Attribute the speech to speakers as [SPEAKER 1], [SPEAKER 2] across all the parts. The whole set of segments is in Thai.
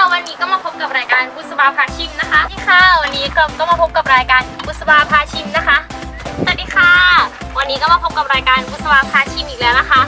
[SPEAKER 1] วันนี้ก็มาพบกับรายการบุษบาพาชิมนะคะนี่ค่ะวันนี้ก็มาพบกับรายการบุษบาพาชิมนะคะสวัสดีค่ะวันนี้ก็มาพบกับรายการบุษบาพาชิมอีกแล้วนะคะ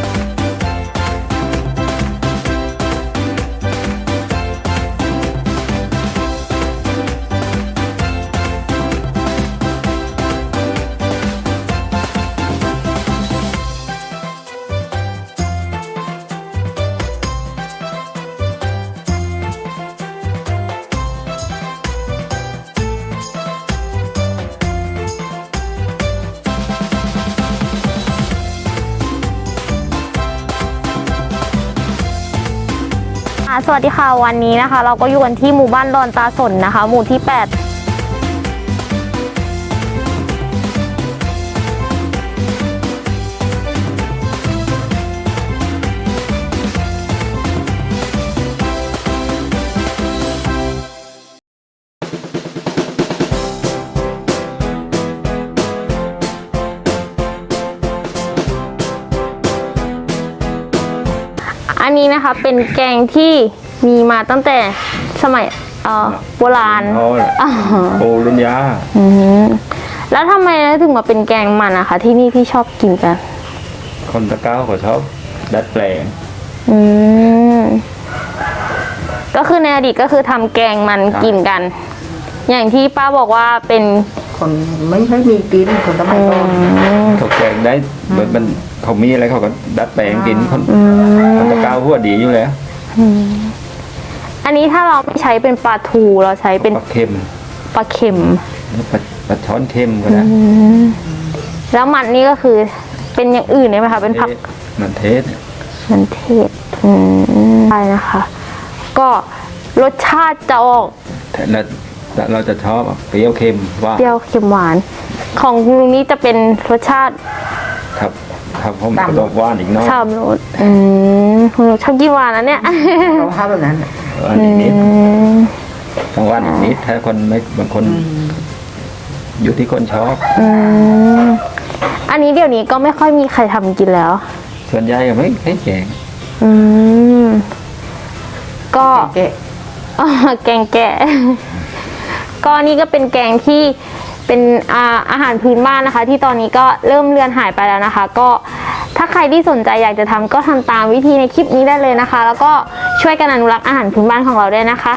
[SPEAKER 1] สวัสดีค่ะวันนี้นะคะเราก็อยู่กันที่หมู่บ้านดอนตาสนนะคะหมู่ที่ 8อันนี้นะคะเป็นแกงที่มีมาตั้งแต่สมัยโบราณ
[SPEAKER 2] โบราณยา
[SPEAKER 1] แล้วทำไมถึงมาเป็นแกงมันนะคะที่นี่ที่ชอบกินกัน
[SPEAKER 2] คนตะเก้าเขาชอบดัดแปลง
[SPEAKER 1] ก็คือในอดีตก็คือทำแกงมันกินกันอย่างที่ป้าบอกว่าเป็น
[SPEAKER 3] คนไม่ค่อยมีกินคนสมัยก่อน
[SPEAKER 2] เขาแกงได้มันเขามีอะไรเขาก็ดัดแปลงกินคนตะเก้าหัวดีอยู่แล้ว
[SPEAKER 1] อันนี้ถ้าเราไม่ใช้เป็นปลาทูเราใช้เป็น
[SPEAKER 2] ปลาเค็ม
[SPEAKER 1] ปลา
[SPEAKER 2] ช้อนเค็มก็ได้
[SPEAKER 1] แล้วมันนี่ก็คือเป็นอย่างอื่นได้ไหมคะเป็นผัก
[SPEAKER 2] มันเทศ
[SPEAKER 1] ใช่นะคะก็รสชาติจะออก
[SPEAKER 2] เราจะชอบเปรี้ยวเค็มว่า
[SPEAKER 1] เปรี้ยวเค็มหวานของลุงนี้จะเป็นรสชาติ
[SPEAKER 2] ครับผมก็ต้องหวานอีกน้อย
[SPEAKER 1] ชอบรสชอบกินหวานนะเนี่ย
[SPEAKER 3] เราชอบแบบนั้น
[SPEAKER 2] นิดต้องหวานอีกนิดถ้าคนไม่บางคนอยู่ที่คนชอบ
[SPEAKER 1] อันนี้เดี๋ยวนี้ก็ไม่ค่อยมีใครทำกินแล้ว
[SPEAKER 2] ส่วนใหญ่ก็ไม่แกง
[SPEAKER 1] ก็แกงแกะก็นี่ก็เป็นแกงที่เป็นอาหารพื้นบ้านนะคะที่ตอนนี้ก็เริ่มเลือนหายไปแล้วนะคะก็ถ้าใครที่สนใจอยากจะทำก็ทำตามวิธีในคลิปนี้ได้เลยนะคะแล้วก็ช่วยกันอนุรักษ์อาหารพื้นบ้านของเราด้วยนะคะ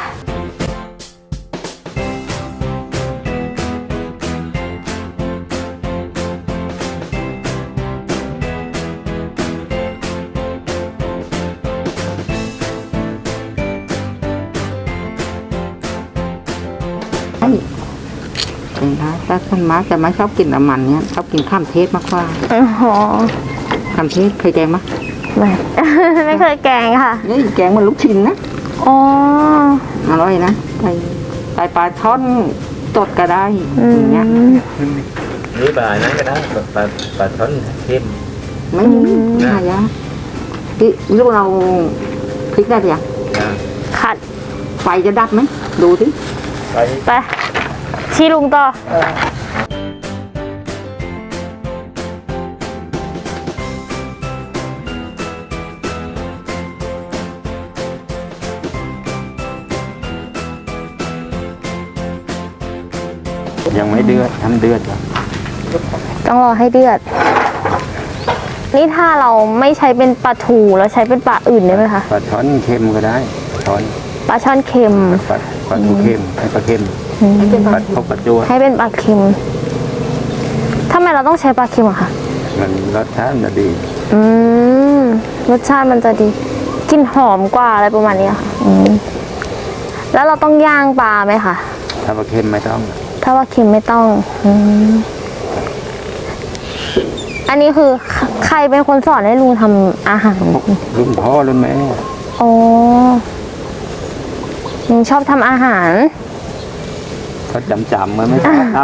[SPEAKER 3] ถ้าคนมาจะไม่ชอบกินน้ำมันเนี้ยชอบกินข้ามเทศมากกว่าข้ามเทศเคยแกงไหม
[SPEAKER 1] ไม่เคยแกงค่ะ
[SPEAKER 3] นี่แกงมันลูกชิ้นนะอร่อยนะใส่ปลาช่อนสดก็ได้อย่างเงี้ย
[SPEAKER 2] นี่ปลานั้นก็ได้ปลาช่อนเค็ม
[SPEAKER 3] ไม่น่ายากที่ลูกเราพริกได้หรือยัง
[SPEAKER 1] ขัด
[SPEAKER 3] ไฟจะดับไหมดูสิ
[SPEAKER 1] ไปชี้ลุงต่อ
[SPEAKER 2] ยังไม่เดือดทำเดือดก่อน
[SPEAKER 1] ต้องรอให้เดือดนี่ถ้าเราไม่ใช้เป็นปลาทูเราใช้เป็นปลาอื่นได้ไหมคะ
[SPEAKER 2] ปลาช่อนเค็มก็ได้
[SPEAKER 1] ปลาช่อนเค็ม
[SPEAKER 2] ปลาทูเค็มให้ปลาเค็มให้เป็นปลาทบปลาจู
[SPEAKER 1] ให้เป็นปลาเค็มทำไมเราต้องใช้ปลาเค็มอะคะ
[SPEAKER 2] มันรสชาติมันดี
[SPEAKER 1] รสชาติมันจะดีกลิ่นหอมกว่าอะไรประมาณนี้ค่ะแล้วเราต้องย่างปลาไหมคะ
[SPEAKER 2] ถ้าปลาเค็มไม่ต้อง
[SPEAKER 1] ถ้าว่าเค็มไม่ต้องอันนี้คือใครเป็นคนสอนให้ลุงทำอาหาร
[SPEAKER 2] รุ่นพ่อรุ่นแม่
[SPEAKER 1] ลุงชอบทำอาหาร
[SPEAKER 2] เขาจำมันไม่ชอบท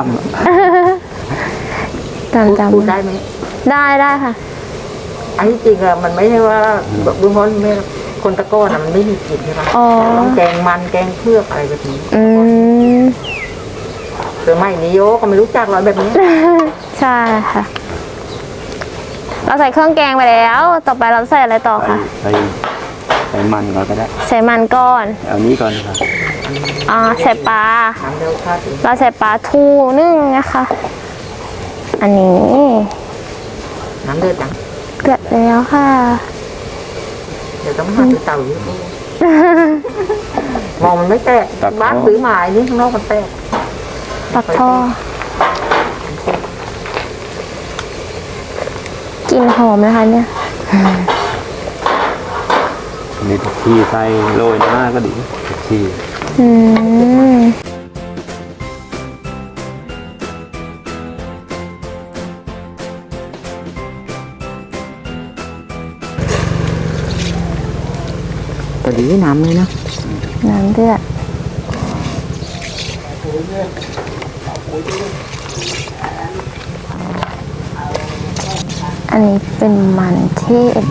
[SPEAKER 3] ำพูดได้ไหม
[SPEAKER 1] ได้ค่ะ
[SPEAKER 3] อันที่จริงอะมันไม่ใช่ว่าแบบรุ่นพ่อแม่คนตะก้อนมันไม่มีกลิ่นใช่ไหมต้องแกงมันแกงเพือกอะไรแบบนี้หรือไม่นิโยก็ไม่รู้จักหรอกแบบนี้
[SPEAKER 1] ใช่ค่ะเราใส่เครื่องแกงไปแล้วต่อไปเราใส่อะไรต่อคะ
[SPEAKER 2] ใส่ใส่มันก่อนก็ได้
[SPEAKER 1] ใส่มันก่อน
[SPEAKER 2] เอานี้ก่อนครับ
[SPEAKER 1] ใส่ปลา
[SPEAKER 3] น้ำเร็วค่ะถึง
[SPEAKER 1] เราใส่ปลาทูนึ่งนะคะ อันนี้
[SPEAKER 3] น้ำเดือดจัง
[SPEAKER 1] เดือดแล้วค่ะ
[SPEAKER 3] เดี๋ยวต้องหาไปเตาอยู่มองมันไม่แตกบ้านซื้อหมายนี่ข้างนอกมันแตก
[SPEAKER 1] ปักทอดกลิ่นหอมนะคะเนี่ย
[SPEAKER 2] มีผักชีใส่โรยหน้าก็ดีผักชี
[SPEAKER 1] อืม
[SPEAKER 3] พอดีน้ำเลยนะ
[SPEAKER 1] น้ำเดือด อันนี้เป็นมันเทศ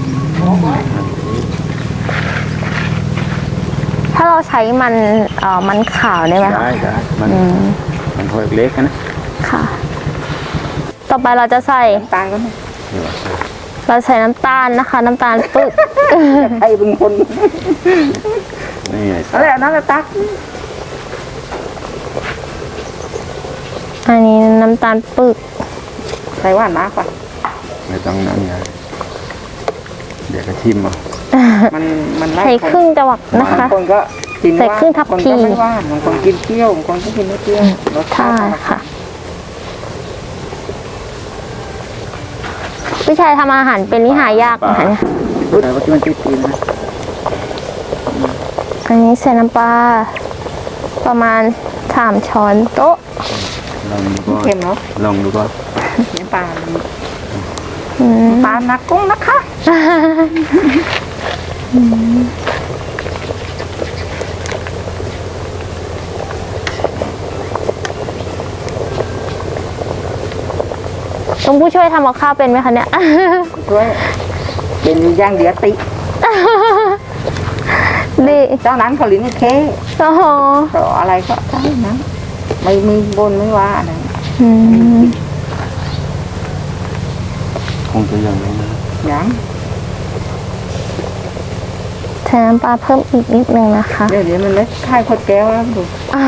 [SPEAKER 1] ถ้าเราใช้มันขาวได้ไหมคะ
[SPEAKER 2] ได้มันพอเล็กนะ
[SPEAKER 1] ค่ะ ต่อไปเราจะใส่
[SPEAKER 3] ตายก็ไม่
[SPEAKER 1] เราใส่น้ำตาลนะคะ น้ำตาลปึ๊ก
[SPEAKER 3] ใครเป็นคน
[SPEAKER 2] นี่ไง
[SPEAKER 3] นั่นแหละนั่นแหละตัก
[SPEAKER 1] อันนี้น้ำตาลปึ๊ก
[SPEAKER 3] ใส่หวานมากกว่า
[SPEAKER 2] ไม่ต้องนั้นไงเดี๋ยวก็ชิมเอา
[SPEAKER 3] มันไล่
[SPEAKER 1] ใส่ครึ่งจังหวะนะ
[SPEAKER 3] บาง
[SPEAKER 1] คะ
[SPEAKER 3] คนก็กิน
[SPEAKER 1] ใส่ครึ่งทัพพี
[SPEAKER 3] บางคนก็ไม่หว่านบางคนกินเปรี้ยวบางคนก็กินไม่เปรี้ยวรสชา
[SPEAKER 1] ใช่
[SPEAKER 3] ติ
[SPEAKER 1] ค่ะ พี่ชายทำอาหารเป็นนี่หายากนะคะเนี่ย
[SPEAKER 3] รู้แต่ว่ามันติดกินนะ
[SPEAKER 1] อันนี้ใส่น้ำปลาประมาณ3 ช้อนโต๊ะ
[SPEAKER 2] ลองดูก่อน
[SPEAKER 3] เค็มเนาะ
[SPEAKER 2] ลองดูก่อน
[SPEAKER 3] น้ำปลา
[SPEAKER 1] อืม
[SPEAKER 3] ปลานักกุ้งนะคะ
[SPEAKER 1] ต้องผู้ช่วยทำกับข้าวเป็นไหมคะเนี่ย
[SPEAKER 3] ช่วยเป็นอย่างเดียวติ
[SPEAKER 1] ดี
[SPEAKER 3] เจ้านั้นเขาลิ้นเค
[SPEAKER 1] โอ้โห
[SPEAKER 3] ก็อะไรก็ได้นะไม่มีบนไม่ว่าอะไร
[SPEAKER 1] อืม
[SPEAKER 2] คงจะอย่างนี้นะ
[SPEAKER 3] ยัง
[SPEAKER 1] ใส่น้ำปลาเพิ่มอีกนิดนึงนะคะ
[SPEAKER 3] เดี๋ยวนี้มันไม่ค่ายขวดแก้วแล้วดู
[SPEAKER 1] อ่า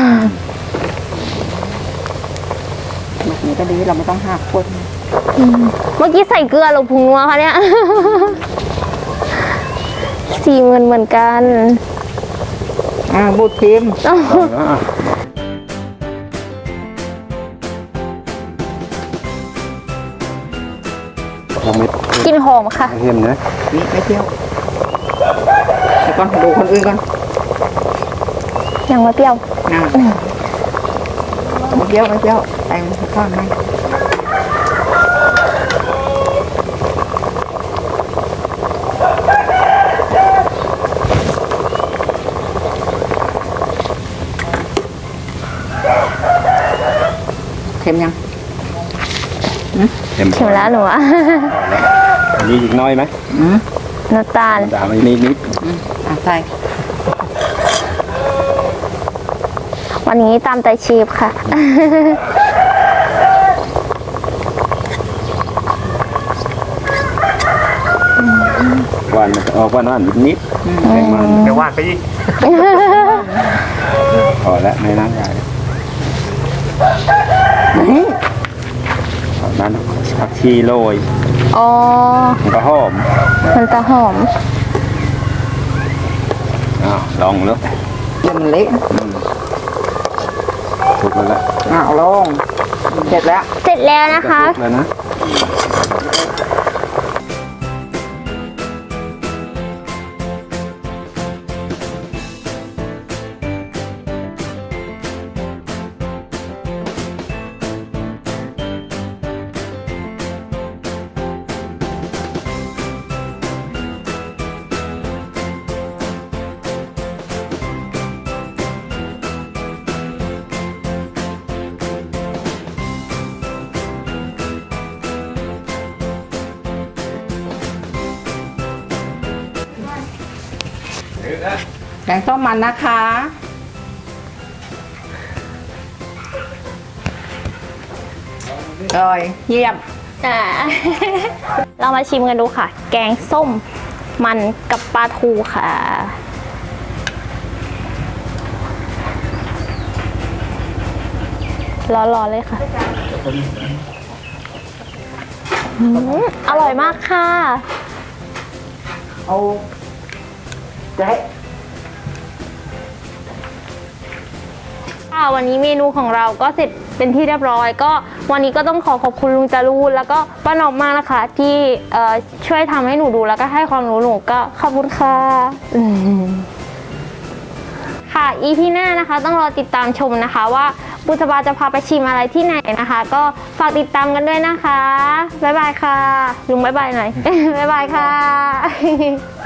[SPEAKER 3] แบบนี้ก็ดีเราไม่ต้องหักขวด
[SPEAKER 1] เมื่อกี้ใส่เกลือหรือผงนัวคะเนี่ย 40,000เหมือนกัน
[SPEAKER 3] บูดทิม
[SPEAKER 1] อ้าว
[SPEAKER 2] ยังไม่
[SPEAKER 1] กลินหอมค่ะ
[SPEAKER 2] เค็มนะ
[SPEAKER 3] นี่ไม่เที่ยวเดี๋ยวก่อนดูคนอื่นก่อน
[SPEAKER 1] ยังไม่เปรี้ยว
[SPEAKER 3] ไม่เที่ยวไม่เที่ยวแต่งข้างในเค็มยัง
[SPEAKER 2] เค็ม
[SPEAKER 1] เข็มแล้วหนูอะ
[SPEAKER 2] อันนี้อีกน้อยไหม
[SPEAKER 1] น้ำตาล
[SPEAKER 2] ด่าไม่นิด
[SPEAKER 3] ใส่
[SPEAKER 1] วันนี้ตามใจชีฟค่ะ
[SPEAKER 2] หวานมันจะออกหวานนิดแรงมัน
[SPEAKER 3] เดี๋ยวว่าไปอีก
[SPEAKER 2] พอแล้วในน้ำใหญ่นั้นผักชีโรย
[SPEAKER 1] อ๋อ
[SPEAKER 2] มันก็หอม
[SPEAKER 1] มันจะหอม
[SPEAKER 2] ลองแล้ว
[SPEAKER 3] เดี๋ยวมันเละ
[SPEAKER 2] ถูกแล้ว
[SPEAKER 3] เอาลงเสร็จแล้ว
[SPEAKER 1] เสร็จแล้วนะคะ
[SPEAKER 2] ถูกแล้วนะ
[SPEAKER 3] แกงส้มมันนะคะอร่อยเยี่ยม
[SPEAKER 1] เรามาชิมกันดูค่ะ แกงส้มมันกับปลาทูค่ะร้อนๆเลยค่ะอร่อยมากค่ะ
[SPEAKER 3] เอาแจ๊ะ
[SPEAKER 1] ค่ะวันนี้เมนูของเราก็เสร็จเป็นที่เรียบร้อยก็วันนี้ก็ต้องขอบคุณลุงจารูนแล้วก็ป้าหนอมมากนะคะ ที่ช่วยทำให้หนูดูแล้วก็ให้ความรู้หนูก็ขอบคุณค่ะค่ะ EP หน้านะคะต้องรอติดตามชมนะคะว่าบุษบาจะพาไปชิมอะไรที่ไหนนะคะ ก็ฝากติดตามกันด้วยนะคะบ๊ายบายค่ะลุงบ๊ายบายหน่อย บ๊ายบายค่ะ